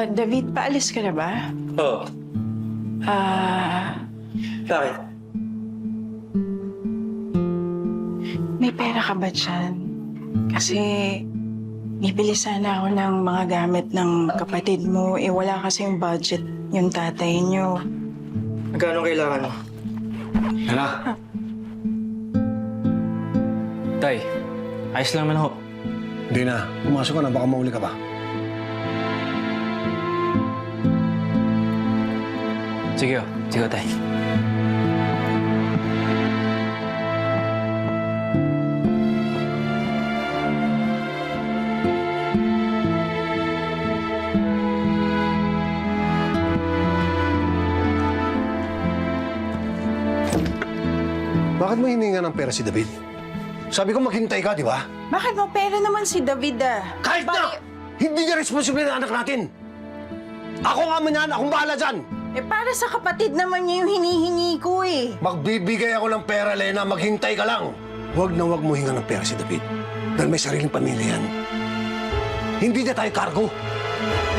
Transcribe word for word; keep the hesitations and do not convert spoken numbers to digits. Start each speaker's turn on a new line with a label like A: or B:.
A: Ah, David, paalis ka na ba?
B: Oo.
A: Ah,
B: Bakit?
A: may pera ka ba dyan? Kasi bibili sana ako ng mga gamit ng kapatid mo. Eh, wala kasing budget yung tatay niyo.
B: Magkano kailangan mo?
C: Hala,
D: Tay, ayos lang naman ho.
C: hindi na. Pumasok ka na, baka mauli ka pa.
D: Sige ho, sige ho, tay.
C: Bakit mo hininga ng pera si David? Sabi ko maghintay ka, di ba?
A: Bakit mo pera naman si David ah?
C: Kahit na! Hindi niya responsible ng anak natin! Ako nga man yan, akong bahala dyan!
A: Eh, para sa kapatid naman niya yung hinihingi ko eh.
C: Magbibigay ako ng pera, Lena, maghintay ka lang! Huwag na huwag mo hinga ng pera si David. Dahil may sariling pamilya yan. Hindi na tayo cargo.